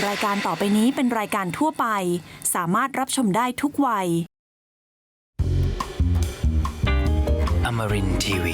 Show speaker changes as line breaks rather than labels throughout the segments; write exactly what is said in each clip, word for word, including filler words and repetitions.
รายการต่อไปนี้เป็นรายการทั่วไปสามารถรับชมได้ทุกวัย
Amarin ที วี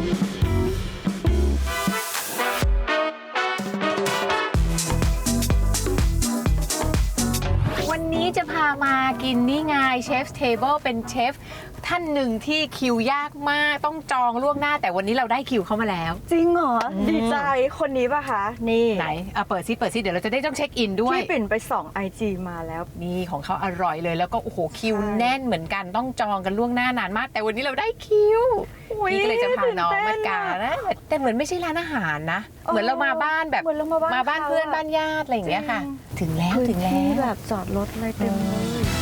วันนี้จะพามากินนี่ไงเชฟเทเบิลเป็นเชฟท่านหนึ่งที่คิวยากมากต้องจองล่วงหน้าแต่วันนี้เราได้คิวเข้ามาแล้ว
จริงเหรอ ดีใจคนนี้ป่ะคะ นี่
ไหนเอาเปิดซิเปิดซิเดี๋ยวเราจะได้ต้องเช็คอินด้วย
ที่ปิ่นไปส่องไอจีมาแล้ว
นี่ของเขาอร่อยเลยแล้วก็โอ้โหคิวแน่นเหมือนกันต้องจองกันล่วงหน้านานมาก แต่วันนี้เราได้คิว
อุ๊ย
นี่ก็เลยจะพาน้อง
ตื่
มาน
เต้น
กา
อะ
นะแต่เหมือนไม่ใช่ร้านอาหารนะ เหมือนเรามาบ้านแบบ
เหมือนเรามาบ้าน
มาบ้าน
เขา
เพื่อน
อะ
บ้านญาติอะไรอย่างเงี้ยค่ะ
จริง
ถึงแล้ว
พื้น
ถึงแล้
ที่
ว
แบบจอดรถอะไรเต็มเลย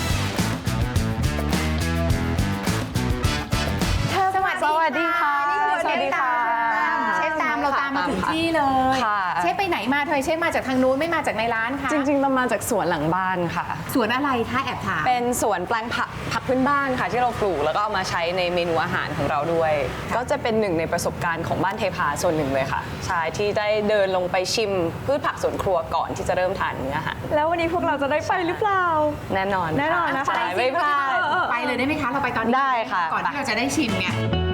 สวัสดี
สวัสดีค่ะ
นี่คือ
สวัสดีค่ะ
เชฟตามเราตามมาถึงที่เลย
ค่ะ
เชฟไปไหนมาทำไมเชฟมาจากทางนู้นไม่มาจากในร้านคะ
จริงๆเรามาจากสวนหลังบ้านค่ะ
สวนอะไรคะแอบถาม
เป็นสวนแปลงผักผักพื้นบ้านค่ะที่เราปลูกแล้วก็เอามาใช้ในเมนูอาหารของเราด้วย ก็จะเป็นหนึ่งในประสบการณ์ของบ้านเทพาส่วนหนึ่งเลยค่ะใช่ที่ได้เดินลงไปชิมพืชผักสวนครัวก่อนที่จะเริ่มทานเนื้ออาหาร
แล้ววันนี้พวกเราจะได้ไปหรือเปล่า
แน่นอน
แน่นอนนะคะ
ใช่ไม่พลาด
ไปเลยได้ไหมคะเราไปตอนนี้
ได้ค่ะ
ก่อนที่เราจะได้ชิมเนี่ย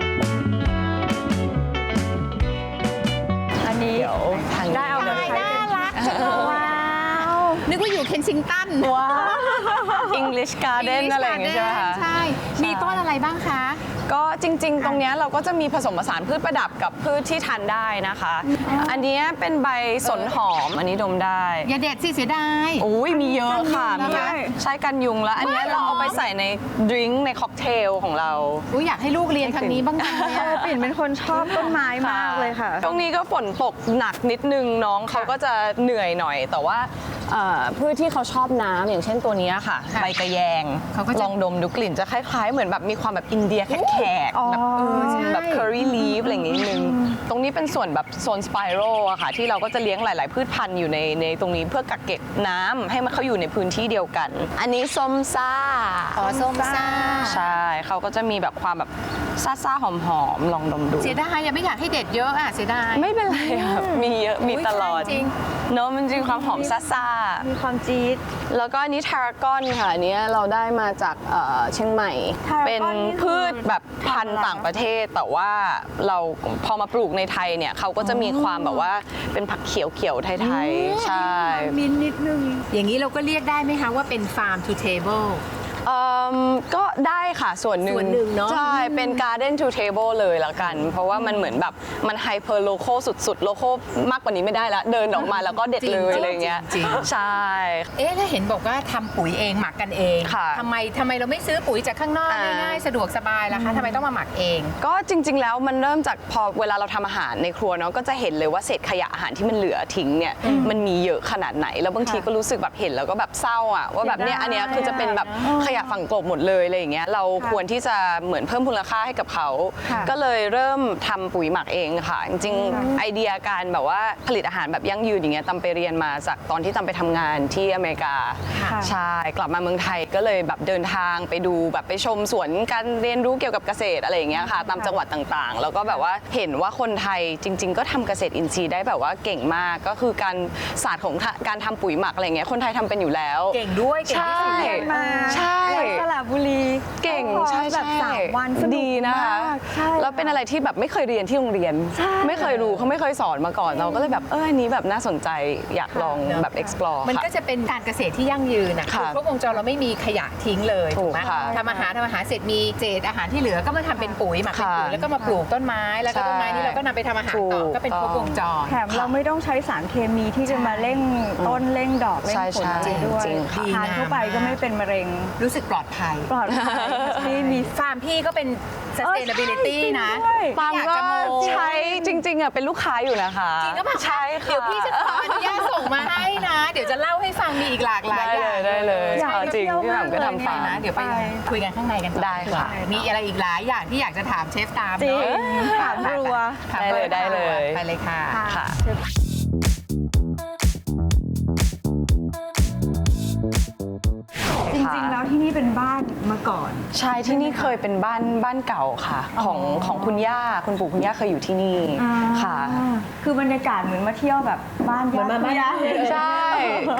อันนี้
เดี๋ยวทางนี้
ได้เอาเลย
น่ารักจังเลยว้าวนึกว่าอยู่เคนซิงตัน
ว้าว English Garden อะไรอย่างเงี้ยใช่ไหมคะ
ใช่ มีต้นอะไรบ้างคะ
ก็จริงๆ ตรงเนี้ยเราก็จะมีผสมผสานพืชประดับกับพืชที่ทานได้นะคะ อันเนี้ยเป็นใบสนหอม อันนี้ดมได้
อย่าเด็ดสิเสียดาย
อุ้ยมีเยอะค่ะ
กันยุง
มีเยอะ
นะคะ
ใช้กันยุงแล้ว อันเนี้ย
ว้าว
เราเอาไปใส่ในดริงก์ในค็อกเทลของเรา
อุ๊ยอยากให้ลูกเรียนทางนี้บ้างจังเลย
เอ
อะ
อปิ่นเป็นคนชอบต้นไม้มากเลยค่ะ
ช่วงนี้ก็ฝนตกหนักนิดนึงน้องเขาก็จะเหนื่อยหน่อย แต่ว่าเอ่อพืชที่เขาชอบน้ำอย่างเช่นตัวเนี้ยค่ะ
ค่ะ
ใบกระแยง
เขาก็จะ
ลองดมดูกลิ่นจะคล้าย ๆ เหมือนแบบมีความแบบอินเดียแขก
อ๋อ
ๆแบบ
เออใช่
แบบ curry leaf อะไรอย่างงี้นิดนึง ตรงนี้เป็นส่วนแบบโซนสไปโรอะค่ะ ที่เราก็จะเลี้ยงหลาย ๆ พืชพันธุ์อยู่ในในตรงนี้เพื่อกักเก็บน้ำให้มันเขาอยู่ในพื้นที่เดียวกัน อันนี้ส้มซ่า
อ๋อส้มซ่า
ใช่เขาก็จะมีแบบความแบบซ่าๆหอมๆลองดมดู
เสียดายยังไม่อยากให้เด็ดเยอะอ่ะเสียดาย
ไม่เป็นไรค่ะมีเยอะมีตลอด
อุ๊ยจริง
เนอะมันจริงความหอมซ่าๆ
มีความจี๊ด
แล้วก็อันนี้ทารากอนค่ะอันเนี้ยเราได้มาจากเอ่อเชียงใหม่
Tarragon
เป็น
นี่คือ
พืชแบบพันธุ์ต่างประเทศ แต่ว่าเราพอมาปลูกในไทยเนี่ยเขาก็จะมีความแบบว่าเป็นผักเขียวๆไทยๆ ใช่
มินนิดนึง
อย่างนี้เราก็เรียกได้ไหมคะว่าเป็น farm to table
เอิ่มก็ได้ค่ะส่วนหนึ่ง
ส่วนหนึ่งเนอะ
ใช่เป็น garden to table เลยละกัน เพราะว่ามันเหมือนแบบมัน hyper local สุดๆ local มากกว่านี้ไม่ได้ละ เดินออกมาแล้วก็เด็ดเลยอะไรเงี้ย
จริง
ใช่
เอ๊ะแล้วเห็นบอกว่าทำปุ๋ยเองหมักกันเอง
ค่ะ
ทำไมทำไมเราไม่ซื้อปุ๋ยจากข้างนอก
อ่า
ง่ายๆสะดวกสบายล่ะคะทำไมต้องมาหมักเอง
ก็จริง ๆ แล้วมันเริ่มจากพอเวลาเราทำอาหารในครัวเนาะก็จะเห็นเลยว่าเศษขยะอาหารที่มันเหลือทิ้งเนี่ยมันมีเยอะขนาดไหน แล้วบางทีก็รู้สึกแบบเห็นแล้วก็แบบเศร้าอ่ะว่าแบบเนี้ยอันเนี้ยคือจะเป็นแบบขยะฝังกลบหมดเลยอะไรอย่างเงี้ยเราควรที่จะเหมือนเพิ่มมูลค่าให้กับเขา
ค่ะ
ก็เลยเริ่มทำปุ๋ยหมักเองค่ะ จริงๆ ไอเดียการแบบว่าผลิตอาหารแบบยั่งยืนอย่างเงี้ยตำไปเรียนมาจากตอนที่ตำไปทำงานที่อเมริกา
ค่ะ
ใช่กลับมาเมืองไทยก็เลยแบบเดินทางไปดูแบบไปชมสวนการเรียนรู้เกี่ยวกับเกษตรอะไรอย่างเงี้ยค่ะตามจังหวัดต่างๆ แล้วก็แบบว่าเห็นว่าคนไทยจริง ๆ ก็ทำเกษตรอินทรีย์ได้แบบว่าเก่งมากก็คือการศาสตร์ของการทำปุ๋ยหมักอะไรเงี้ยคนไทยทำเป็นอยู่แล้ว
เก่งด้วยเก่งที่สุด
ใช่
เลย
มา
ใช่
แล้วสระบุรี
เก่ง
พอ
ใช่
แบบ
ใช่
สามวันสนุก
ดีนะคะ
มากใช่
แล้วเป็นอะไรที่แบบไม่เคยเรียนที่โรงเรียน
ใช่
ไม่เคยรู้เขาไม่เคยสอนมาก่อนเราก็เลยแบบเอออันนี้แบบน่าสนใจอยากลองแบบ explore
มัน
ค่ะ
ก็จะเป็นการเกษตรที่ยั่งยืนนะ
ค่ะ
ครบวงจรเราไม่มีขยะทิ้งเลย
ถู
ถูก
ก
ไหม
ค่ะ
ทำอาหารทำอาหารเสร็จมีเศษอาหารที่เหลือก็มาทำเป็นปุ๋ยหมักเป็นปุ๋ย
ค่ะ
แล้วก็มาปลูกต้นไม้แล้วก็ต้นไม้นี้เราก็นำไปทำอาหารต่อ
ถูก
ก็เป็นครบวงจร
แถมเราไม่ต้องใช้สารเคมีที่จะมาเร่งต้นเร่งดอกเร่ง
ใช่
ผลอะไร
ใช่
ด้วย
จริงค่ะ
ทานเข้าไปก็ไม่เป็นมะเร็ง
รู้สึกปลอดภัย
ปลอดภัยนี่มี
ฟาร์มพี่ก็เป็น sustainability
เออใช่
นะ
จริงด้วย
ปาล์ม
อยาก
ก็
จะโม
ใช้จริงๆอ่ะเป็นลูกค้าอยู่นะคะ
จริงก็แบบ
ใช่ค่ะ
เดี๋ยวพี่จะขออนุญาตส่งมาให้นะ เดี๋ยวจะเล่าให้ฟังมีอีกหลากหลาย
ได้
อ
เล
ย่าง
ยได้เลย
อยาก
เอาจริง
ไปเที่ยว
พี่หม่ำก็
มากเลย
ทำฟาร์ม
นะเดี๋ยวไป
ไป
คุยกันข้างในกันต่อ
ได้ค่ะ
มีอะไรอีกหลายอย่างที่อยากจะถามเชฟตาม
จริง
เนาะ
ถามรัว
ถาม
ได้เลยได้เลย
ไปเลยค่ะ
ค่ะ
จริงๆแล้วที่นี่เป็นบ้านมาก่อน
ใช่ที่นี่เคยเป็นบ้านบ้านเก่าค่ะ ของของคุณย่าคุณปู่คุณย่าเคยอยู่ที่นี่ค่ะ
คือบรรยากาศเหมือนมาเที่ยวแบบบ้าน
เหมือนมาบ้าน
ญติ
ใช่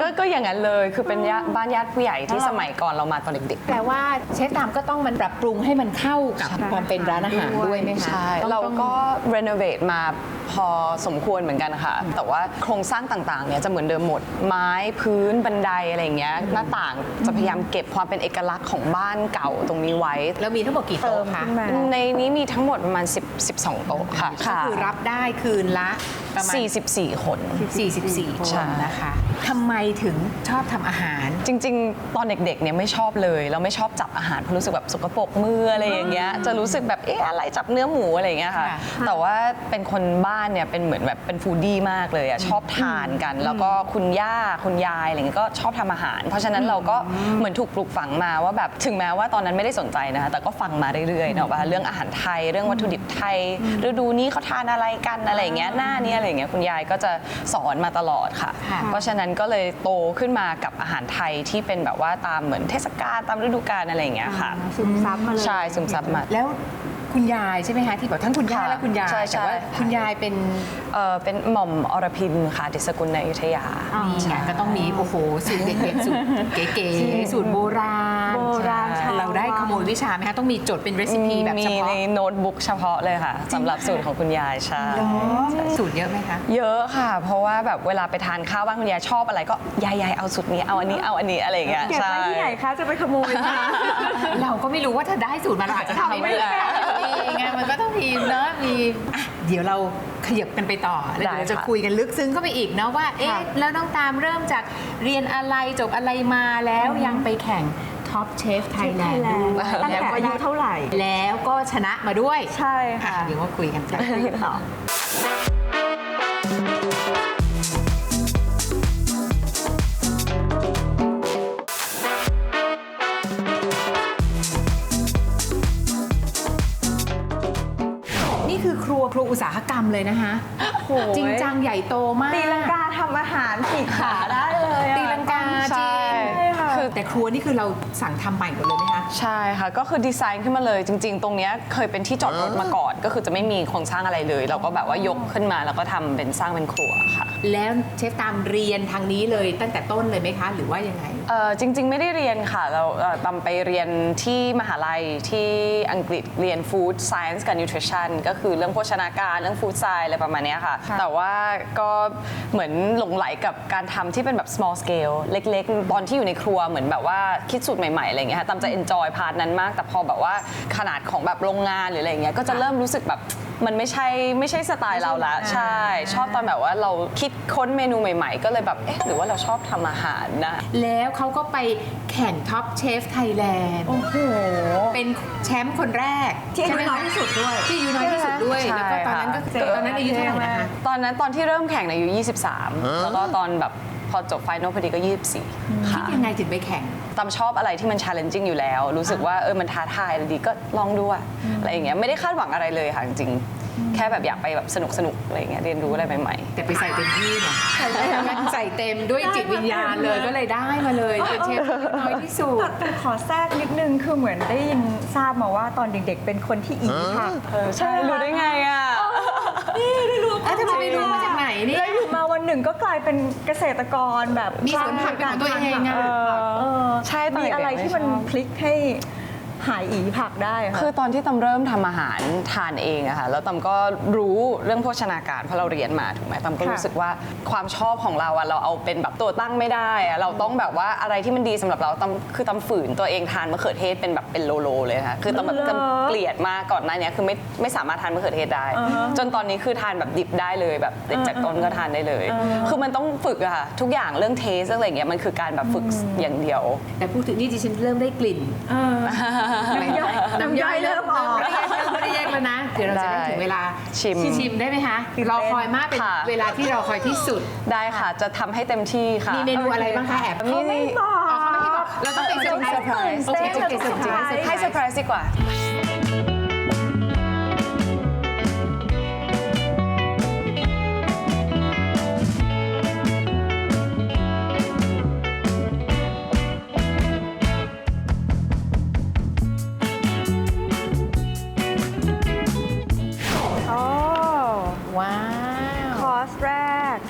ก็ก็อย่างนั้นเลยคือเป็นญาบ้านญาติผู้ใหญ่ที่สมัยก่อนเรามาตอนเด็กๆ
แปลว่าเชฟตามก็ต้องมันปรับปรุงให้มันเข้ากับความเป็นร้านอาหารด้วยไหมคะ
ใช่
ต้อง
เรา
ต้อง
ก็รีโนเวทมาพอสมควรเหมือนกันค่ะ แต่ว่าโครงสร้างต่างๆเนี่ยจะเหมือนเดิมหมด ไม้พื้นบันไดอะไรอย่างเงี้ยหน้าต่างจะพยายามเก็บความเป็นเอกลักษณ์ของบ้านเก่าตรงนี้ไว้
แล้วมีทั้งหมดกี่
เติ
โต๊ะ
ม
คะ
ขึ้นมา
ในนี้มีทั้งหมดประมาณ10 12 โต๊ะค่ะ
ก็คือรับได้คืนละประมาณ
สี่สิบสี่ คน
สี่สิบสี่ ค
ใช่
นนะคะทำไมถึงชอบทำอาหาร
จริงๆ ตอนเด็กๆ เนี่ยไม่ชอบเลยแล้วไม่ชอบจับอาหารเพราะรู้สึกแบบสกปรกมืออะไรอย่างเงี้ยจะรู้สึกแบบเอ๊ะอะไรจับเนื้อหมูอะไรอย่างเงี้ยค่ะ
ค่ะ
แต่ว่าเป็นคนบ้านเนี่ยเป็นเหมือนแบบเป็นฟูดดี้มากเลยอะชอบทานกัน แล้วก็คุณย่าคุณยายอะไรเงี้ยก็ชอบทำอาหาร เพราะฉะนั้นเราก็เหมือนถูกปลูกฝังมาว่าแบบถึงแม้ว่าตอนนั้นไม่ได้สนใจนะคะแต่ก็ฟังมาเรื่อยๆเนาะว่าเรื่องอาหารไทยเรื่องวัตถุดิบไทยฤดูนี้เขาทานอะไรกันอะไรอย่างเงี้ยหน้านี้อะไรอย่างเงี้ยคุณยายก็จะสอนมาตลอดค่ะ
ค่ะ
เพราะฉะนั้นก็เลยโตขึ้นมากับอาหารไทยที่เป็นแบบว่าตามเหมือนเทศกาลตามฤดูกาลอะไรอย่างเงี้ยค่ะ
ซึมซับมาเลย
ใช่ซึมซับมา
แล้วคุณยายใช่ไหมคะที่บอกทั้งคุณย่า
ค่ะ
และคุณยาย
ใช่ใช่
แต่ว่าคุณยายเป็น
เอ่อเป็นหม่อมอรพินค่ะดิษกุลในอยุธยา
นี่ไงก็ต้องมีโอ้โหสูตรเด็ดๆสูตรเก๋ๆสูตรโบราณ
โบราณ
ใช่เราได้ขโมยวิชาไหมคะต้องมีจดเป็นเรซิปีแบบ
มี
เฉพาะ
ในโน้ตบุ๊กเฉพาะเลยค่ะสำหรับสูตรของคุณยายใช่
สูตรเยอะไหมคะ
เยอะค่ะ เพราะว่าแบบเวลาไปทานข้าวบ้านคุณยายชอบอะไรก็ยายยายเอาสูตรนี้เอาอันนี้เอาอันนี้อะไรอย่างเงี้ย
เก็บ
ใช่
ไว้ที่ไหนคะจะไปขโมยมา
เราก็ไม่รู้ว่าถ้าได้สูตรมาเราอาจจะทำไม่ได้มีไงมันก็ต้องมีเนอะมีอ่ะเดี๋ยวเราขยับกันไปต่อแล้วเดี๋ยวเราจะคุยกันลึกซึ้งเข้าไปอีกเนาะว่าเอ๊ะแล้วน้องตามเริ่มจากเรียนอะไรจบอะไรมาแล้วยังไปแข่งท็อปเชฟไทยแลนด์
Thailand
ด้วย
ตั้งแต่อายุเท่าไหร่
แล้วก็ชนะมาด้วย
ใช่ค่ะ
อ่ะเดี๋ยวมาคุยกันกัน
ต่อ
นี่คือครัวครัวอุตสาหกรรมเลยนะคะจริงจังใหญ่โตมาก
ตีลังกาทำอาหารขีดขาได้เลยอะ
ตีลังกาจ
ใช่
ริง
ค่ะ
คือแต่ครัวนี่คือเราสั่งทำใหม่หมดเลยไหมคะ
ใช่ค่ะ ก็คือดีไซน์ขึ้นมาเลยจริง ๆ ตรงเนี้ยเคยเป็นที่จอดรถมาก่อน ก็คือจะไม่มีโครงสร้างอะไรเลย เราก็แบบว่ายกขึ้นมาแล้วก็ทำเป็นสร้างเป็นครัวค่ะ
แล้วเชฟตามเรียนทางนี้เลยตั้งแต่ต้นเลยไหมคะ หรือว่ายังไง
เอ่อจริง ๆ ไม่ได้เรียนค่ะ เราเอ่อตามไปเรียนที่มหาลัยที่อังกฤษเรียน Food Science กับ Nutrition ก็คือเรื่องโภชนาการเรื่อง Food Science อะไรประมาณเนี้ยค่ะ แต่ว่าก็เหมือนหลงไหลกับการทำที่เป็นแบบ small scale เล็ก ๆ ตอนที่อยู่ในครัวเหมือนแบบว่าคิดสูตรใหม่ๆอะไรอย่างเงี้ยค่ะตามจะ enjoy พาร์ทนั้นมาก แต่พอแบบว่าขนาดของแบบโรงงานหรืออะไรอย่างเงี้ยก็จะเริ่มรู้สึกแบบมันไม่ใช่ไม่ใช่สไตล์เราละใช่ ชอบตอนแบบว่าเราคิดค้นเมนูใหม่ๆ ก็เลยแบบเอ๊ะหรือว่าเราชอบทำอาหารนะ
แล้วเขาก็ไปแข่งท็อปเชฟไทยแลนด์
โอ้โห
เป็นแชมป์คนแรก
ที่อายุ
ใช่ไหมคะ
น้อยที่สุดด้วย
ที่อายุน้อยที่สุดด้วย
ใช่
แล้วก็ตอนนั้นก็
ค่ะ
ตอนนั้นอายุเท่าไหร่นะคะ
ตอนนั้นตอนที่เริ่มแข่งเนี่ยอายุยี่สิบสามแล้วก็ตอนแบบพอจบไฟนอลพอดีก็ยี่สิบสี่
คิ
ค่ะ
ดยังไงถึงไปแข่ง
ตามชอบอะไรที่มัน challenging อยู่แล้ว รู้สึกว่าเออมันท้าทายอะไรดีก็ลองดูอะอะไรอย่างเงี้ยไม่ได้คาดหวังอะไรเลยค่ะจริงๆแค่แบบอยากไปแบบสนุกสนุกๆอะไรอย่างเงี้ยเรียนรู้อะไรใหม่ๆ
แต่ไปใส่เต็มที่เนี่ยใส่เต็มด้วยจิตวิญญาณเลยก็เลยได้มาเลยเป็นเชฟที่น้อยที่สุด
แต่ขอแทรกนิดนึงคือเหมือนได้ยินทราบมาว่าตอนเด็กๆ เป็นคนที่อีผัก
ใช่รู้ได้ไงอ่ะ
เอ้าทำไมไม่รู้มาจากไหนเนี่ย
แล้วอยู่มาวันหนึ่งก็กลายเป็นเกษตรกรแบบ
มีสวนผักเป็นของตัวเองอะ
เออ
ใช่ตอน
มี
เด็กๆ
อะไรที่มัน
ไม่ชอบ
พลิกให้หายอีผักได้ค่ะ
คือตอนที่ตำเริ่มทำอาหารทานเองอะค่ะแล้วตำก็รู้เรื่องโภชนาการเพราะเราเรียนมาถูกไหมตำก็
ค่ะ
รู้สึกว่าความชอบของเราอะเราเอาเป็นแบบตัวตั้งไม่ได้อะเราต้องแบบว่าอะไรที่มันดีสำหรับเราตำคือตำฝืนตัวเองทานมะเขือเทศเป็นแบบเป็นโลโลเลยค่ะคือตำแบบตำเกลียดมากก่อนหน้านี้คือไม่ไม่สามารถทานมะเขือเทศได้ จนตอนนี้คือทานแบบดิบได้เลยแบบติดจากต้นก็ทานได้เลย คือมันต้องฝึกอะค่ะทุกอย่างเรื่องเทสอะไรอย่างเงี้ยมันคือการแบบฝึกอย่างเดียว
แต่พูดถึงนี่ดิฉันเริ่มได้กลิ่น
น้ำย่อยน้ำย่อยเริ่มออก
ไม่ได้เริ่มไม่ได้แยกแล้วนะเดี๋ยวเราจะได้ถึงเวลา
ชิม
ชิมได้ไหมคะรอคอยมากเป็น
ค่ะ
เวลาที่รอคอยที่สุด
ได้ค่ะจะทำให้เต็มที่ค่ะ
มีเมนูอะไรบ้างคะแอบ
เขาไม่บอก
อ๋อเขาไม่ให้บอกเราต้องเป็นเซอร์ไพรส์
โอเค
โอเคโอเคเซอร์ไพรส์
ให้เซอร์ไพรส์ดีกว่า
โอ้
ว้าว
คอร์สแรก
คอร์ส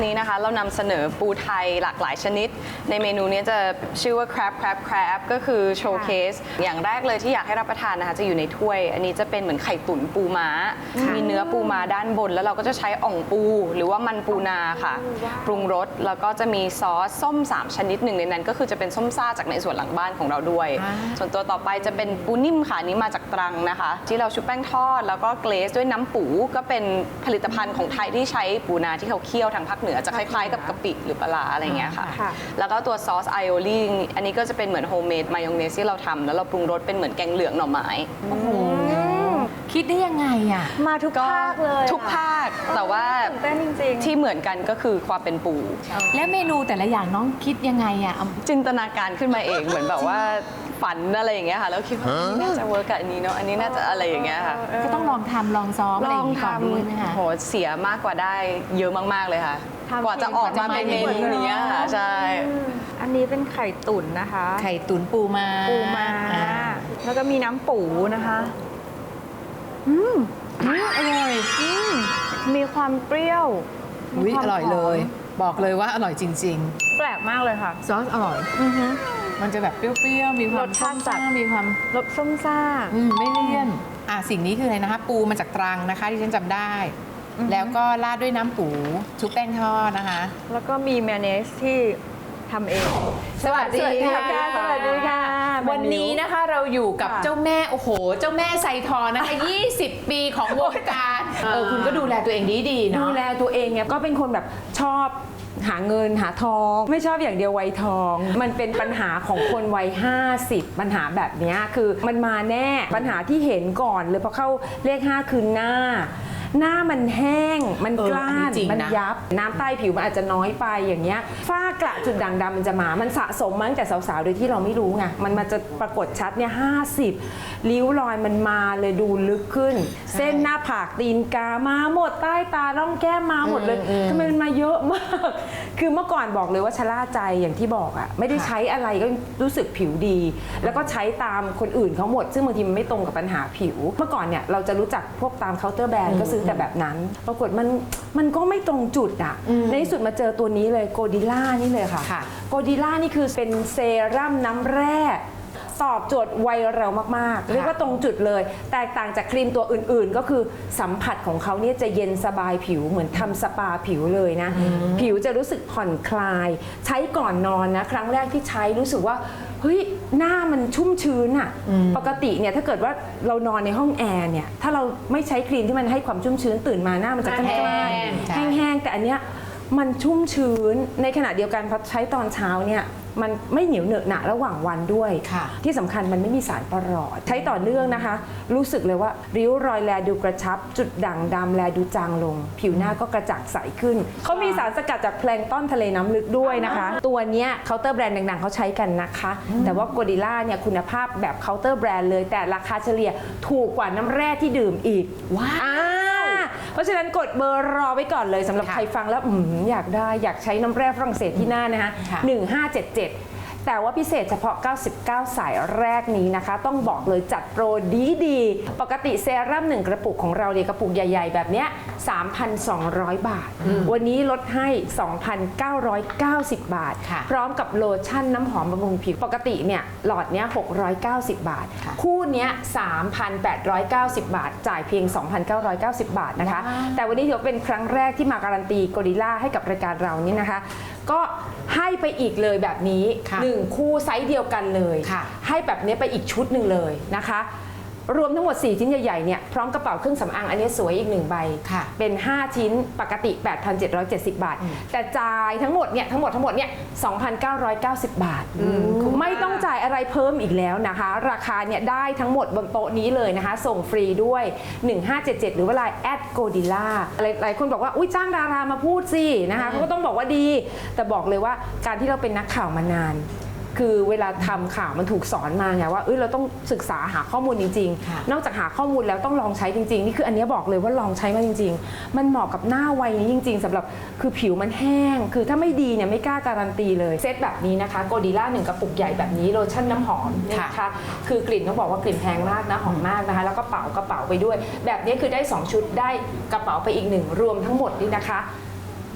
นี้นะคะเรานำเสนอปูไทยหลากหลายชนิด ในเมนูนี้จะชื่อว่า crab crab crab ก็คือโชว์เคสอย่างแรกเลยที่อยากให้รับประทานนะคะจะอยู่ในถ้วย อันนี้จะเป็นเหมือนไข่ตุ๋นปูม้า มีเนื้อปูม้าด้านบน แล้วเราก็จะใช้อ่องปูหรือว่ามันปูนาค่ะปรุงรสแล้วก็จะมีซอสส้มสามชนิดหนึ่งในนั้นก็คือจะเป็นส้มซ่าจากในส่วนหลังบ้านของเราด้วย ส่วนตัวต่อไปจะเป็นปูนิ่มค่ะอันนี้มาจากตรังนะคะที่เราชุบแป้งทอดแล้วก็เกรซด้วยน้ำปูก็เป็นผลิตภัณฑ์ของไทยที่ใช้ปูนาที่เขาเคี่ยวทางภาคเหนือจะคล้ายๆกับกะปิหรือปลาร้าอะไรเงี้ยค่ะแล้วก็ตัวซอสไอโอลีอันนี้ก็จะเป็นเหมือนโฮมเมดมายองเนสที่เราทำแล้วเราปรุงรสเป็นเหมือนแกงเหลืองหน่อไม้
คิดได้ยังไงอ่ะ
มาทุก
ก็
ภาคเลย
ทุกภาคแต่ว่า
ตื่นเต้นจริงๆ
ที่เหมือนกันก็คือความเป็นปู
แล้วเมนูแต่ละอย่างน้องคิดยังไงอ่ะเอา
จินตนาการขึ้นมาเองเหมือนแบบว่าฝันอะไรอย่างเงี้ยค่ะแล้วคิดว่าอันนี้น่าจะเวิร์กกับอันนี้เนาะอันนี้น่าจะอะไรอย่างเงี้ยค่ะ
ก็ต้องลองทำลองซ้อมอะไรอย่างนี้ก่อนด้วยไหมคะ
โหเสียมากกว่าได้เยอะมากๆเลยค่ะ
ทำ
กว่าจะออกมาเป็นเมนูนี้อะค่ะใช่
อันนี้เป็นไข่ตุ๋นนะคะ
ไข่ตุ๋นปูมา
ปูมา
อ่
แล้วก็มีน้ำปูนะคะ
อืมอร่อย
มีความเปรี้ยว
อุ๊ย
มีความ
อร่อยเลย บอกเลยว่าอร่อยจริง
แปลกมากเลยค่ะ
ๆ ซอสอร่อยมันจะแบบเปรี้ยวๆ มีความ
รสชาติจัด
ส้มๆมีความ
รสส้มซ่า
อืมไม่เลี่ยนอ่ะสิ่งนี้คืออะไรนะคะ ปูมาจากตรังนะคะที่ฉันจำได้ แล้วก็ราดด้วยน้ำปูชุบแป้งทอดนะคะ
แล้วก็มีแมยองเนสที่ทำเอง
สวัสดีค่ะ
สวัสดีค่ะ
วันนี้นะคะเราอยู่กับ
ค่ะ
เจ้าแม่โอ้โห เจ้าแม่ไซทองนะคะ ยี่สิบ ปีของวงการเออคุณก็ดูแลตัวเองดีๆเนาะ
ดูแลตัวเองเนี่ยก็เป็นคนแบบชอบหาเงินหาทอง ไม่ชอบอย่างเดียววัยทอง มันเป็นปัญหาของคนวัยห้าสิบปัญหาแบบเนี้ยคือมันมาแน่ปัญหาที่เห็นก่อนเลยพอเข้าเลขห้าคือหน้า หน้ามันแห้งมัน
เออก
ล้า
อัน
น
นี้จริงนะ
มันยับน้ำใต้ผิวมันอาจจะน้อยไปอย่างเงี้ยฝ้ากระจุดด่างดำมันจะมามันสะสมมาตั้งแต่สาวๆโดยที่เราไม่รู้ไงมันมาจะปรากฏชัดเนี่ยห้าสิบริ้วรอยมันมาเลยดูลึกขึ้น เส้นหน้าผากตีนกามาหมดใต้ตาร่องแก้มมาหมดเลยทำไมมันมาเยอะมาก คือเมื่อก่อนบอกเลยว่าชะล่าใจอย่างที่บอกอะไม่ได้ใช้อะไรก็รู้สึกผิวดี แล้วก็ใช้ตามคนอื่นเขาหมด ซึ่งบางทีมันไม่ตรงกับปัญหาผิว เมื่อก่อนเนี่ยเราจะรู้จักพวกตามเคาน์เตอร์แบรนด์ก็ซื้อแต่แบบนั้น ปรากฏมันมันก็ไม่ตรงจุดอะในที่สุดมาเจอตัวนี้เลยโกดิล่านี่เลยค่ะ
ค่ะ
โกดิล่านี่คือเป็นเซรั่มน้ำแร่ตอบโจทย์วัยเรามากๆเรียกว่าตรงจุดเลย แตกต่างจากครีมตัวอื่นๆ ก็คือสัมผัสของเขาเนี่ยจะเย็นสบายผิวเหมือนทำสปาผิวเลยนะ ผิวจะรู้สึกผ่อนคลาย ใช้ก่อนนอนนะ ครั้งแรกที่ใช้รู้สึกว่าเฮ้ยหน้ามันชุ่มชื้นอะปกติเนี่ยถ้าเกิดว่าเรานอนในห้องแอร์เนี่ยถ้าเราไม่ใช้ครีมที่มันให้ความชุ่มชื้นตื่นมาหน้ามันจะกล้านๆ
ใช่
แห้งๆแต่อันเนี้ยมันชุ่มชื้นในขณะเดียวกันพอใช้ตอนเช้าเนี่ยมันไม่เหนียวเหนอะหนะระหว่างวันด้วย
ค่ะ
ที่สำคัญมันไม่มีสารประหลอด ใช้ต่อเนื่องนะคะ รู้สึกเลยว่าริ้วรอยแลดูกระชับ จุดด่างดำแลดูจางลง ผิวหน้าก็กระจ่างใสขึ้น เขามีสารสกัดจากแพลงก์ต้นทะเลน้ำลึกด้วยนะคะ ตัวเนี้ยเคาน์เตอร์แบรนด์ดังๆเขาใช้กันนะคะ แต่ว่าโกดิล่าเนี่ยคุณภาพแบบเคาน์เตอร์แบรนด์เลย แต่ราคาเฉลี่ยถูกกว่าน้ำแร่ที่ดื่มอีกว้าวเพราะฉะนั้นกดเบอร์รอไว้ก่อนเลยสำหรับ
ค่ะ
ใครฟังแล้วอืมอยากได้อยากใช้น้ำแร่ฝรั่งเศสที่หน้านะคะ
ค่ะ
หนึ่งห้าเจ็ดเจ็ด แต่ว่าพิเศษเฉพาะเก้าสิบเก้าสายแรกนี้นะคะ ต้องบอกเลยจัดโปรดีดีๆปกติเซรั่มหนึ่งกระปุกของเราเนี่ยกระปุกใหญ่ๆ แบบเนี้ย สามพันสองร้อย บาท วันนี้ลดให้ สองพันเก้าร้อยเก้าสิบ บาท
ค่ะ
พร้อมกับโลชั่นน้ำหอมบำรุงผิว ปกติเนี่ยหลอดเนี้ยหกร้อยเก้าสิบ บาท
ค่ะ
คู่เนี้ย สามพันแปดร้อยเก้าสิบ บาท จ่ายเพียง สองพันเก้าร้อยเก้าสิบ บาทนะคะ แต่วันนี้ถือว่าเป็นครั้งแรกที่มาการันตีโกดิล่าให้กับรายการเรานี่นะคะ ก็ให้ไปอีกเลยแบบนี้
ค่ะ
หนึ่งคู่ไซส์เดียวกันเลย
ค่ะ
ให้แบบนี้ไปอีกชุดหนึ่งเลยนะคะ รวมทั้งหมดสี่ชิ้นใหญ่ๆเนี่ยพร้อมกระเป๋าเครื่องสำอางอันนี้สวยอีกหนึ่งใบ
ค่ะ
เป็นห้าชิ้นปกติ แปดพันเจ็ดร้อยเจ็ดสิบ บาท แต่จ่ายทั้งหมดเนี่ยทั้งหมดทั้งหมดเนี่ย สองพันเก้าร้อยเก้าสิบ บาท ไม่ต้องจ่ายอะไรเพิ่มอีกแล้วนะคะ ราคาเนี่ยได้ทั้งหมดบนโต๊ะนี้เลยนะคะ ส่งฟรีด้วย หนึ่งห้าเจ็ดเจ็ด หรือว่าไลน์แอดโกดิล่าหลายคนบอกว่าอุ้ยจ้างดารามาพูดสินะคะเขาก็ต้องบอกว่าดี แต่บอกเลยว่าการที่เราเป็นนักข่าวมานาน คือเวลาทำข่าวมันถูกสอนมาไงว่าเอ้ยเราต้องศึกษาหาข้อมูลจริง
ค่ะ
ๆ นอกจากหาข้อมูลแล้วต้องลองใช้จริงๆนี่คืออันนี้บอกเลยว่าลองใช้มาจริง ๆ มันเหมาะกับหน้าวัยนี้จริง ๆสำหรับคือผิวมันแห้ง คือถ้าไม่ดีเนี่ยไม่กล้าการันตีเลยเซตแบบนี้นะคะโกดิล่าหนึ่งกระปุกใหญ่แบบนี้โลชั่นน้ำหอมเนี่ยนะคะคือกลิ่นต้องบอกว่ากลิ่นแพงมากนะหอมมากนะคะแล้วก็เป๋ากระเป๋าไปด้วย แบบนี้คือได้สองชุดได้กระเป๋าไปอีกหนึ่งรวมทั้งหมดนี่นะคะ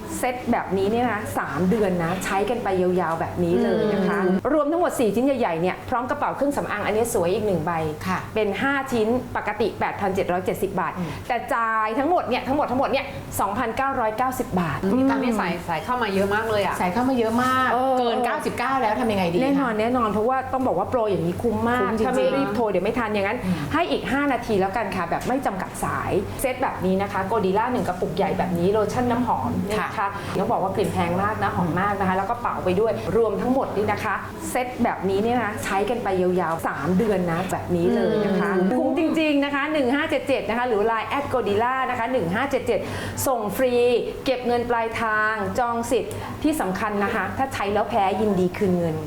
เซตแบบนี้เนี่ยนะสามเดือนนะใช้กันไปยาวๆแบบนี้เลยนะคะ รวมทั้งหมดสี่ชิ้นใหญ่ๆเนี่ยพร้อมกระเป๋าเครื่องสำอางอันนี้สวยอีกหนึ่งใบ
ค่ะ
เป็นห้าชิ้นปกติ แปดพันเจ็ดร้อยเจ็ดสิบ บาท แต่จ่ายทั้งหมดเนี่ยทั้งหมดทั้งหมดเนี่ย สองพันเก้าร้อยเก้าสิบ บาท
พี่ตั้มนี่ใส่ใส่เข้ามาเยอะมากเลยอ่ะ
ใส่เข้ามาเยอะมาก
เออ
เกิน เก้าสิบเก้า แล้วทำยังไงดี
แน่นอน
คะ
แน่นอนเพราะว่าต้องบอกว่าโปรอย่างนี้คุ้มมาก
คุ้มจริงๆ
ถ้าไม่รีบโทรเดี๋ยวไม่ทันอย่างนั้น ให้อีก ห้า นาทีแล้วกันค่ะ แบบไม่จำกัดสายเซตแบบนี้นะคะโกดิล่าหนึ่งกระปุกใหญ่แบบนี้โลชั่นน้ำหอมนี่นะคะต้องบอกว่ากลิ่นแพงมากนะหอมมากนะคะแล้วก็เป่าไปด้วยรวมทั้งหมดนี่นะคะเซตแบบนี้เนี่ยนะใช้กันไปยาวๆสามเดือนนะแบบนี้เลยนะคะคุ้มจริงๆนะคะหนึ่งห้าเจ็ดเจ็ดนะคะหรือ ไลน์ แอท โกดิล่า นะคะหนึ่งห้าเจ็ดเจ็ดส่งฟรีเก็บเงินปลายทางจองสิทธิ์ที่สำคัญนะคะถ้าใช้แล้วแพ้ยินดีคืนเงิน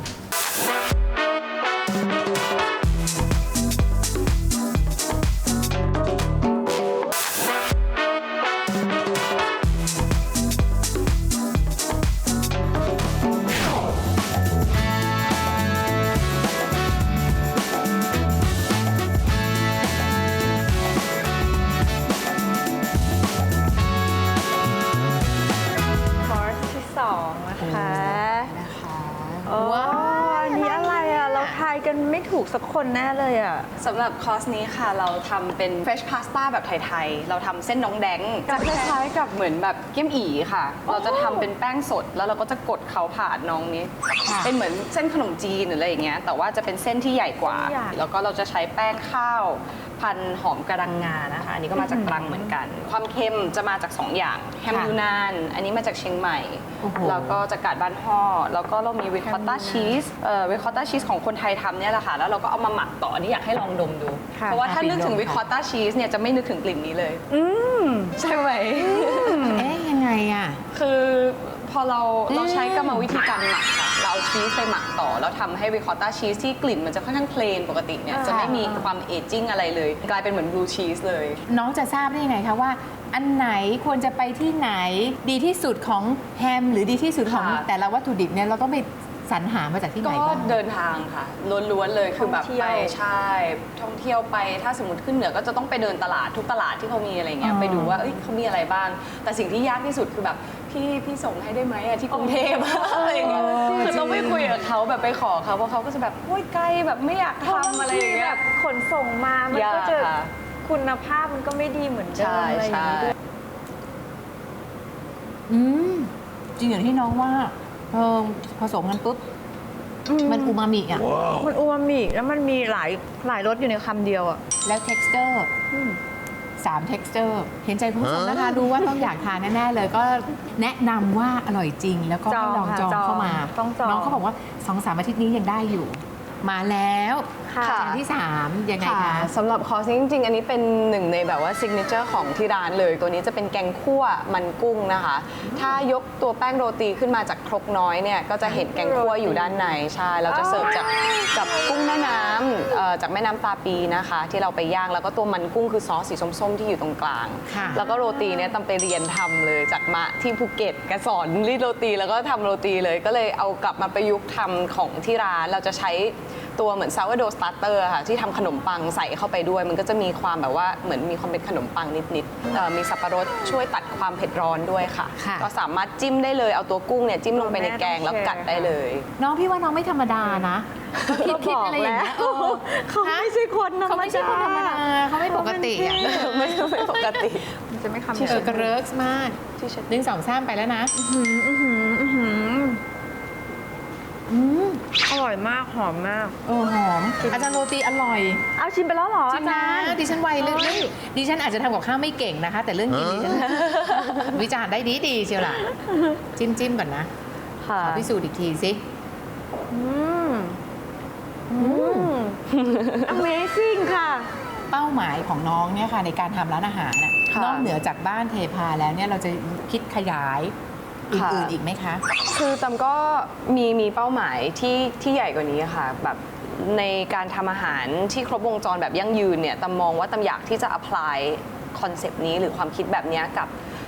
คอร์สที่สองนะคะ
นะคะ
โอ้อันนี้อะไรอ่ะ เราทายกันไม่ถูกสักคนแน่เลยอ่ะ
สำหรับคอร์สนี้ค่ะเราทำเป็น fresh pasta แบบไทยๆ เราทำเส้นน้องแดงจะคล้ายๆกับเหมือนแบบเกี๊ยมอีค่ะ เราจะทำเป็นแป้งสดแล้วเราก็จะกดเขาผ่านน้องนี้ เป็นเหมือนเส้นขนมจีนหรืออะไรอย่างเงี้ยแต่ว่าจะเป็นเส้นที่ใหญ่กว่า
ใหญ่
แล้วก็เราจะใช้แป้งข้าวพันหอมกระดังงานะคะ อันนี้ก็มาจากตรังเหมือนกัน ความเค็มจะมาจากสองอย่างแฮมยูนานอันนี้มาจากเชียงใหม่
โอ้โห
แล้วก็จากกาดบ้านห่อแล้วก็เรามีริคอตตาชีสเอ่อริคอตตาชีสของคนไทยทำเนี่ยแหละค่ะแล้วเราก็เอามาหมักต่ออันนี้อยากให้ลองดมดู
ค่ะ
เพราะว่าถ้านึกถึงริคอตตาชีสเนี่ยจะไม่นึกถึงกลิ่นนี้เลยใช่ไหม
เอ๊ะยังไงอ่ะ
คือพอเราเราใช้กรรมวิธีการหมักค่ะเราเอาชีสไปหมักต่อแล้วทำให้ริคอตตาชีสที่กลิ่นมันจะค่อนข้างเพลนปกติเนี่ยจะไม่มีความเอจจิ้งอะไรเลย กลายเป็นเหมือนบลูชีสเลย
น้องจะทราบได้ยังไงคะว่า อันไหนควรจะไปที่ไหนดีที่สุดของแฮมหรือดีที่สุดของ
ค่ะ
แต่ละวัตถุดิบเนี่ยเราต้องไปสรรหามาจากที่ไหน
ก็
บ้าง
เดินทางค่ะล้วนๆเลยคือแบบ
ท่องเที่
ไป
ยว
ใช่ท่องเที่ยวไปถ้าสมมติขึ้นเหนือก็จะต้องไปเดินตลาดทุกตลาดที่เขามีอะไรเงี้ย
อ๋อ
ไปดูว่าเอ้ยเขามีอะไรบ้าง แต่สิ่งที่ยากที่สุดคือแบบพี่พี่ส่งให้ได้ไหมอะที่กรุงเทพอะไรอย่างเงี้ยคือต้องไปคุยกับเขาแบบไปขอเขาเพราะเขาก็จะแบบโอ๊ยไกลแบบไม่อยากทำอะไรอย่างเงี้
แบ
ย
บขนส่งมา มัน
ยาก
ก็จะ
ค่ะ
คุณภาพมันก็ไม่ดีเหมือนเดิ
ใช่
มอะไรอย่าง
ใช่
นี้ด้วย
อืมจริงอย่างที่น้องว่าเออผสมกันปุ๊บ มันอูมามิอ่ะ
มันอูมามิแล้วมันมีหลายหลายรสอยู่ในคำเดียวอ่ะ
แล้ว texture สาม texture เห็นใจคุณผู้ชมนะคะดูว่าต้องอยากทานแน่ ๆ เลยก็แนะนำว่าอร่อยจริง แล้วก็ให้ลองจ
จ
อ
อง งค่ะ
เข้ามา
ต้องจอง
น้องเขาบอกว่าสองสามอาทิตย์นี้ยังได้อยู่ มาแล้ว
ค่ะ
จานที่สามยังไง
ค่ะ
คะ
สำหรับคอร์สนี้จริงๆ อันนี้เป็นหนึ่งในแบบว่าซิกเนเจอร์ของที่ร้านเลย ตัวนี้จะเป็นแกงคั่วมันกุ้งนะคะ ถ้ายกตัวแป้งโรตีขึ้นมาจากครกน้อยเนี่ยก็จะเห็นแกงคั่วอยู่ด้านในใช่เราจะเสิร์ฟจากกับกุ้งแม่น้ำเอ่อจากแม่น้ำตาปีนะคะ ที่เราไปย่างแล้วก็ตัวมันกุ้งคือซอสสีส้มๆที่อยู่ตรงกลาง
ค่ะ
แล้วก็โรตีเนี่ยตำไปเรียนทำเลยจากมะที่ภูเก็ตแกสอนรีดโรตีแล้วก็ทำโรตีเลย ก็เลยเอากลับมาประยุกต์ทำของที่ร้านเราจะใช้ตัวเหมือนซาวโดสตาร์เตอร์ค่ะที่ทำขนมปังใส่เข้าไปด้วย มันก็จะมีความแบบว่าเหมือนมีความเป็นขนมปังนิดๆเอ่อมีสับปะรดช่วยตัดความเผ็ดร้อนด้วยค่ะ
ค่ะ
ก็สามารถจิ้มได้เลยเอาตัวกุ้งเนี่ยจิ้มลงไปในแกงแล้วกัดได้เลย
น้องพี่ว่าน้องไม่ธรรมดานะคิดคิดอะไรอย่างเงี้ยเออ
เขาไม่ใช่คนธรรมดา
เขาไม่ใช่คนธรรมดาเขาไม่ปกติอ่ะ
ไม่ไม่ปกติ
มันจะไม่คำ
เออกระเริกมาก
ที่เช็ด
หนึ่งสองสามไปแล้วนะ
อร่อยมากหอมมาก
เออหอมอาจารย์โรตีอร่อย
เอาชิมไปแล้วเหรอ
จริงนะ
อาจารย์
ดิฉันไวเรื่องนี้ดิฉันอาจจะทำกับข้าวไม่เก่งนะคะ แต่เรื่องกินดิฉัน วิจารณ์ได้ดีดีๆเชียวล่ะ จิ้มจิ้มก่อนนะ
ค่ะ
ขอพิสูจน์อีกทีสิ
อืมอืม Amazing ค่ะ
เป้าหมายของน้องเนี่ยค่ะในการทำร้านอาหารน่ะ
ค่ะ
นอกเหนือจากบ้านเทพาแล้วเนี่ยเราจะคิดขยายอื่นๆอีกไหมคะ
คือตำก็มีมีเป้าหมายที่ที่ใหญ่กว่านี้ค่ะแบบในการทำอาหารที่ครบวงจรแบบยั่งยืนเนี่ยตำมองว่าตำอยากที่จะ apply คอนเซปต์นี้หรือความคิดแบบเนี้ยกับ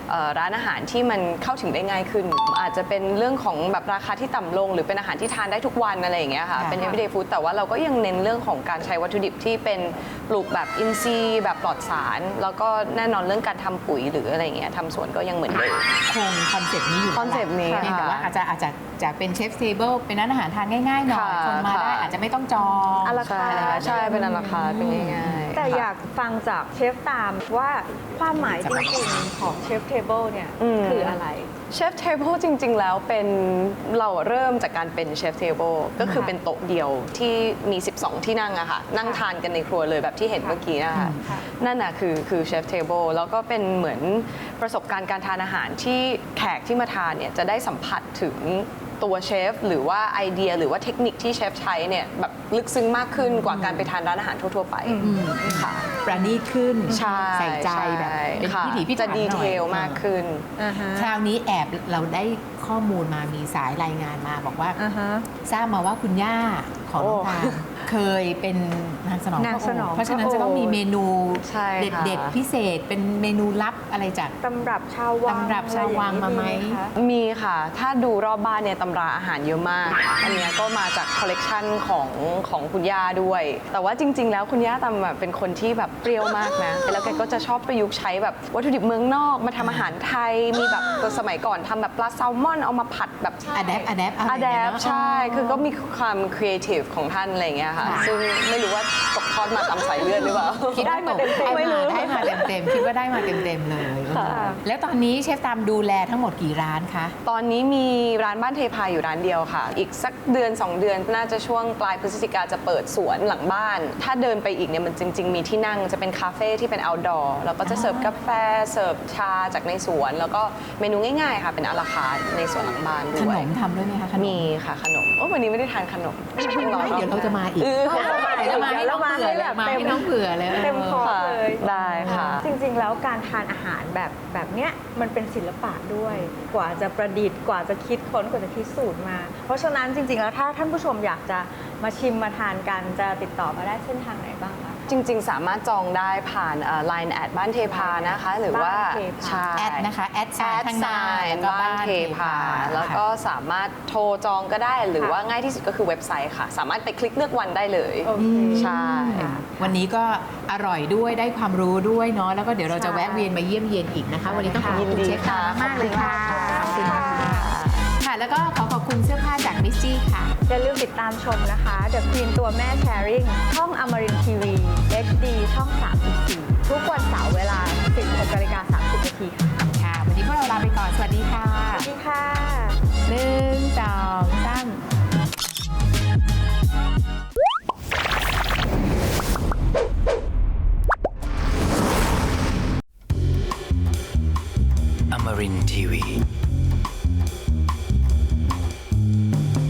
เอ่อร้านอาหารที่มันเข้าถึงได้ง่ายขึ้น อาจจะเป็นเรื่องของแบบราคาที่ต่ำลง หรือเป็นอาหารที่ทานได้ทุกวันอะไรอย่างเงี้ยค่ะ
ค่ะ
เป็น everyday food แต่ว่าเราก็ยังเน้นเรื่องของการใช้วัตถุดิบที่เป็นปลูกแบบอินทรีย์แบบปลอดสาร แล้วก็แน่นอนเรื่องการทำปุ๋ยหรืออะไรอย่างเงี้ยทำสวนก็ยังเหมือนเดิม
คงคอนเซปต์นี้อยู่
คอนเซปต์นี้
เพียงแต่ว่า
ค่ะ
อาจจะอาจจะจากเป็นเชฟเทเบิลเป็นร้านอาหารทานง่ายๆหน่อย
ค่ะ
คนมาได้
ค่ะ
อาจจะไม่ต้องจอง
อะรา
ใช่
คา
ใช่เป็นราคาเป็นง่ายๆ
แต่
ค่ะ
อยากฟังจากเชฟตามว่าความหมายจริงๆของเชฟเทเบิลเนี่ย
อืม
คืออะไร
เชฟเทเบิลจริง ๆ แล้วเป็นเราเริ่มจากการเป็นเชฟเทเบิลก็คือเป็นโต๊ะเดียวที่มี สิบสอง ที่นั่งอะค่ะนั่งทานกันในครัวเลยแบบที่เห็นเมื่อกี้นะคะ
ค่ะ
นั่นน่ะคือคือเชฟเทเบิลแล้วก็เป็นเหมือนประสบการณ์การทานอาหารที่แขกที่มาทานเนี่ยจะได้สัมผัสถึงตัวเชฟหรือว่าไอเดียหรือว่าเทคนิคที่เชฟใช้เนี่ยแบบลึกซึ้งมากขึ้นกว่าการไปทานร้านอาหารทั่ว ๆ ไปค่ะ
ประณีตขึ้น
ใช่
ใส่ใจแบบเป็น
ค่ะ
พิถีพิถัน
จะดี
หน่
เท
อย
ลมากขึ้น
คราวนี้แอบเราได้ข้อมูลมามีสายรายงานมาบอกว่า
อ่าฮะ
ทราบมาว่าคุณย่าของน้องทามเคยเป็นนางสนอง
นาง
พระ
ส
อง
นอง
ค์เพราะฉะนั้น
พระ
จะต้องมี
โอษฐ์
เมนู
ใช่
เ
ค่ะ
ด็ดๆพิเศษเป็นเมนูลับอะไรจาก
ตำรับชาววัง
ตำรับชาววังมาไหม
อะรอย่งนี้คะ
มีค่ะ ถ้าดูรอบบ้านเนี่ยตำราอาหารเยอะมาก อันเนี้ยก็มาจากคอลเลกชันของของคุณย่าด้วย แต่ว่าจริง ๆ แล้วคุณย่าตำแบบเป็นคนที่แบบเปรี้ยวมากนะ แล้วแกก็จะชอบประยุกต์ใช้แบบวัตถุดิบเมืองนอกมาทำอาหารไทย มีแบบสมัยก่อนทำแบบปลาแซลมอนเอามาผัดแบบ
อะแดปอะแดปอะไร
อะแด
เงี้ย
ป
เนอะ
ใช่ คือก็มีความครีเอทีฟของท่านอะไรอย่างเงี้ยค่ะ
ค่ะ
ซึ่งไม่รู้ว่าตกทอดมาตามสายเลือดหรือเปล่า
คิดว่าตกได้มาได้มาเต็มๆคิดว่าได้มาเต็มๆเลย
ค่ะ
แล้วตอนนี้เชฟตามดูแลทั้งหมดกี่ร้านคะ
ตอนนี้มีร้านบ้านเทพาอยู่ร้านเดียวค่ะ อีกสักเดือน สอง เดือนน่าจะช่วงปลายพฤศจิกาจะเปิดสวนหลังบ้าน ถ้าเดินไปอีกเนี่ยมันจริง ๆ มีที่นั่งจะเป็นคาเฟ่ที่เป็น outdoor แล้วก็จะเสิร์ฟกาแฟเสิร์ฟชาจากในสวน แล้วก็เมนูง่ายๆค่ะเป็นอาราคาร์ทในสวนหลังบ้านด้
ข
วน ย
มทำด้วยไหมคะขนม
มีค่ะขนมโอ้วันนี้ไม่ได้ทานขนม
เดี๋ยวเราจะมาอีก
เออ
เดี๋ยวจะมาให้น้องเผื่อเลยมาให้น้องเผื่อเลย
เต็มคอร์สเลย
ได้ค่ะ
จริงๆ แล้วการทานอาหารแบบแบบเนี้ยมันเป็นศิลปะด้วย กว่าจะประดิษฐ์กว่าจะคิดค้นกว่าจะคิดสูตรมา เพราะฉะนั้นจริงๆ แล้วถ้าท่านผู้ชมอยากจะมาชิมมาทานกันจะติดต่อมาได้เส้นทางไหนบ้างคะ
จริง ๆ สามารถจองได้ผ่าน ไลน์ แอดบ้านเทพานะคะ หรือว่า
บ้านเทพา
ใช่
แอดนะคะแอดไซ
แอ
น์
ด
ข้างห
ไซ
น้าแล้ว
น์
ก็
บ้านเทพา แล้วก็
ค่ะ
สามารถโทรจองก็ได้ หรือว่าง่ายที่สุดก็คือเว็บไซต์ค่ะ สามารถไปคลิกเลือกวันได้เลย
โอเค
ใช่
วันนี้ก็อร่อยด้วยได้ความรู้ด้วยเนาะแล้วก็เดี๋ยวเราจะแวะเวียนมาเยี่ยมเยียนอีกนะคะ วันนี้ต้องขอบ
ยิน
คุณ
ดี
เชฟตาม
ค่ะ
มากๆเลยค่ะ
ขอบคุณค่ะ
ค่ะ แล้วก็ขอขอบคุณเสื้อผ้าจากมิสจี้ค่ะ
อย่าลืมติดตามชมนะคะ The Queen ตัวแม่ Sharing ช่องอมรินทีวี เอช ดี ช่อง สามสิบสี่ ทุกวันเสาร์เวลา สิบหกนาฬิกาสามสิบนาทีค่ะ
ค่ะ วันนี้พวกเราลาไปก่อน สวัสดีค่ะ
สวัสดีค่ะ
หนึ่งสองสาม